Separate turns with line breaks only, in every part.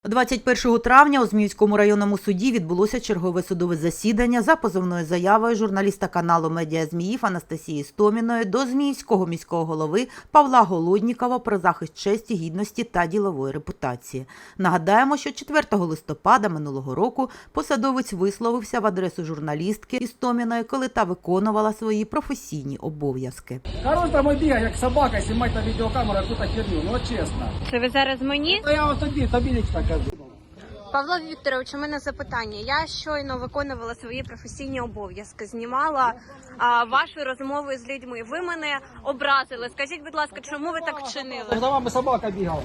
21 травня у Зміївському районному суді відбулося чергове судове засідання за позовною заявою журналіста каналу «Медіа Зміїв» Анастасії Істоміної до Зміївського міського голови Павла Голоднікова про захист честі, гідності та ділової репутації. Нагадаємо, що 4 листопада минулого року посадовець висловився в адресу журналістки Істоміної, коли та виконувала свої професійні обов'язки.
Король там бігає, як собака, знімає на відеокамеру якусь херню, ну чесно.
Це ви зараз мені?
Та я вам тобі лично кажу.
Павло Вікторович, у мене запитання. Я щойно виконувала свої професійні обов'язки, знімала вашу розмову з людьми. Ви мене образили. Скажіть, будь ласка, чому ви так вчинили?
За вами собака бігала.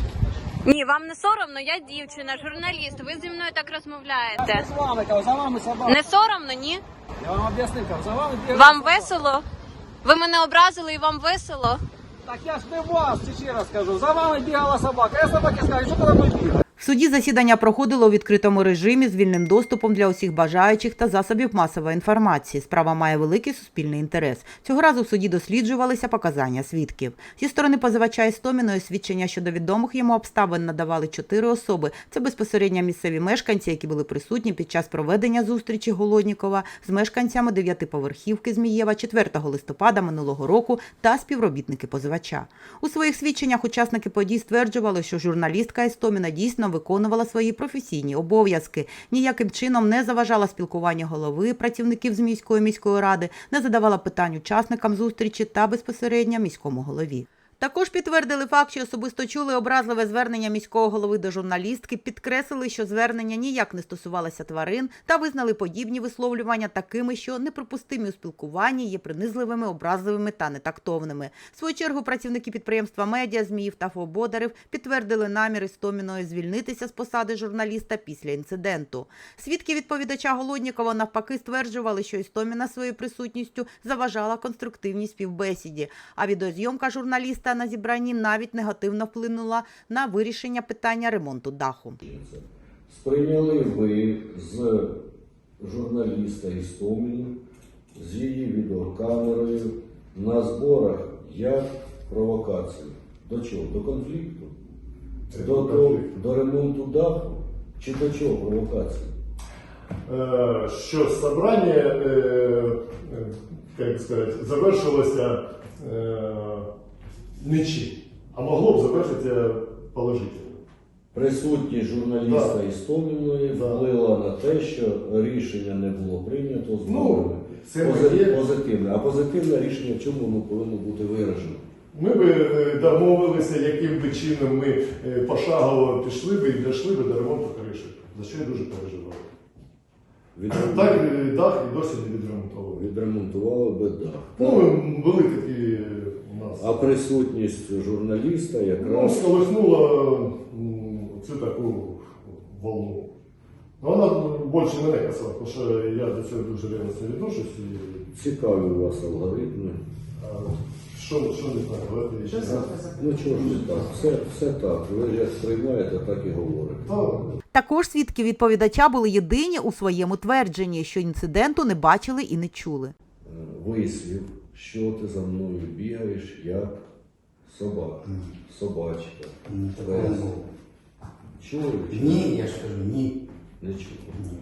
Ні, вам не соромно? Я дівчина, журналіст. Ви зі мною так розмовляєте.
З вами, кажу, за вами собака.
Не соромно, ні?
Я вам об'яснив, кажу, за вами бігала.
Вам весело? Ви мене образили і вам весело?
Так я ж не вас, ще раз кажу, за вами бігала собака. Я собаки скажу, що ти за мною бігала?
В суді засідання проходило у відкритому режимі з вільним доступом для усіх бажаючих та засобів масової інформації. Справа має великий суспільний інтерес. Цього разу в суді досліджувалися показання свідків. Зі сторони позивача Істоміної свідчення щодо відомих йому обставин надавали 4 особи. Це безпосередньо місцеві мешканці, які були присутні під час проведення зустрічі Голоднікова з мешканцями 9-поверхівки Змієва 4 листопада минулого року та співробітники позивача. У своїх свідченнях учасники подій стверджували, що журналістка Істоміна дійсно виконувала свої професійні обов'язки, ніяким чином не заважала спілкуванню голови, працівників Зміївської міської ради, не задавала питань учасникам зустрічі та безпосередньо міському голові. Також підтвердили факт, що особисто чули образливе звернення міського голови до журналістки, підкреслили, що звернення ніяк не стосувалося тварин та визнали подібні висловлювання такими, що неприпустимі у спілкуванні, є принизливими, образливими та нетактовними. В свою чергу працівники підприємства «Медіа Зміїв» та Бодарев підтвердили намір Істоміної звільнитися з посади журналіста після інциденту. Свідки відповідача Голоднікова навпаки стверджували, що Істоміна своєю присутністю заважала конструктивній співбесіді, а відеозйомка журналіста на зібранні навіть негативно вплинула на вирішення питання ремонту даху.
Сприйняли ви з журналіста Істоміну, з її відеокамерою на зборах як провокацію? До чого? До конфлікту? До ремонту даху? Чи до чого провокації?
Що собрання, як сказати, завершилося нічим, а могло б завершитися положительно.
Присутність журналіста Істоміної вплила на те, що рішення не було прийнято з нормами. Позитивне. А позитивне рішення в чому воно повинно бути виражено?
Ми б домовилися, яким би чином ми пошагово пішли б і дійшли б до ремонту криші, за що я дуже переживав. Так, дах і досі не відремонтували.
Відремонтували би дах.
Були такі у нас.
А присутність журналіста якраз...
сколихнула цю таку волну. Вона більше мене касала, тому що я до цього дуже ревностно відношусь.
Цікаві у вас алгоритми.
Що не знаю,
Ну чого ж не так? Все так. Ви як сприймаєте, так і говорите.
Також свідки відповідача були єдині у своєму твердженні, що інциденту не бачили і не чули.
Вислів, що ти за мною бігаєш, як собака, собачка, пес. Чули?
Ні, я ж кажу, ні.
Не чули.
Ні.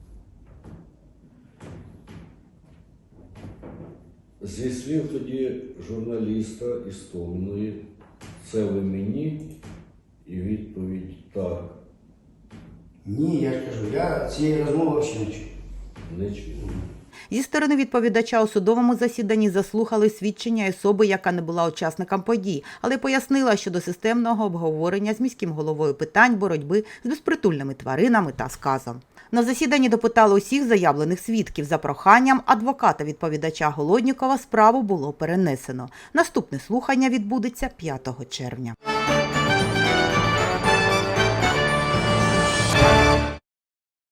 Зі слів тоді журналіста Істоміної, це ви мені? І відповідь так.
Ні, я ж кажу, я цієї розмови ще не чув.
Не чули.
Зі сторони відповідача у судовому засіданні заслухали свідчення особи, яка не була учасником подій, але пояснила щодо системного обговорення з міським головою питань боротьби з безпритульними тваринами та сказом. На засіданні допитали усіх заявлених свідків. За проханням адвоката відповідача Голоднікова справу було перенесено. Наступне слухання відбудеться 5 червня.